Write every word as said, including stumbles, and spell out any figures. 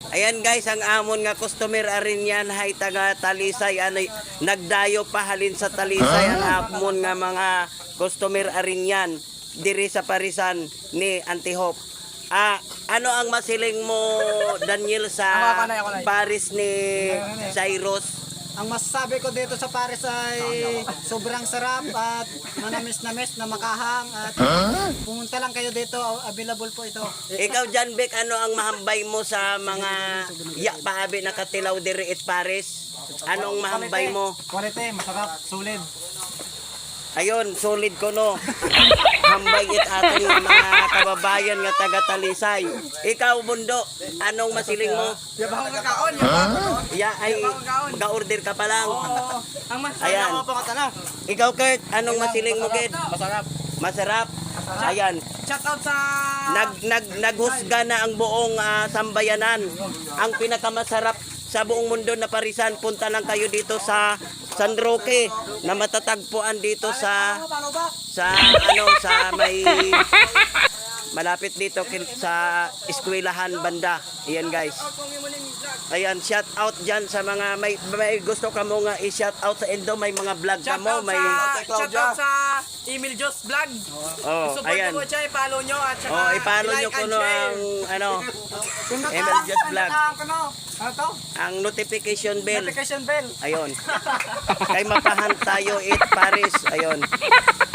Ayan guys, ang amon nga customer arin yan hay taga Talisay ano nagdayo pa halin sa Talisay ang amon nga mga customer arin yan diri sa parisan ni Antihop. Ah, ano ang masiling mo Daniel sa Ako, ako na, ako na. Paris ni Cyrus? Ang masasabi ko dito sa Paris ay sobrang sarap at manamis-namis na makahang at pumunta lang kayo dito, available po ito. Ikaw Jan Beck, ano ang mahambay mo sa mga ya paabi na katilaw diri at Paris? Anong mahambay mo? Quality, masarap, sulit. Ayun, solid ko no. Hambay it ating mga kababayan nga taga Talisay. Ikaw Bundo, anong masiling mo? Yabang kakaon, yabang. Ya ay ga-order ka pa lang. Oo. Ang masasabi Ayan. ko pa katana. Ikaw Kurt, anong masiling mo Kurt? Masarap. Masarap. Ayan. Shout out sa Nag nag naghusga na ang buong ah, sambayanan. Ang pinakamasarap sa buong mundo na parisan, punta lang kayo dito sa San Roque na matatagpuan dito sa sa ano sa may malapit dito kin- sa eskwelahan banda. Ayan guys. Ayan, shout out dyan sa mga may, may gusto ka mo nga i-shout out sa Indo, may mga vlog ka mo, may shout out sa Emil Jos Vlog. oh, Support ayan. mo siya, i-follow nyo at saka Oh, ipalo nyo i-like and kuno share. ang ano Emil Just Vlog. Ano? Ano to? Ang notification bell. Notification bell. Ayun. Kay mapahan tayo it Paris. Ayun.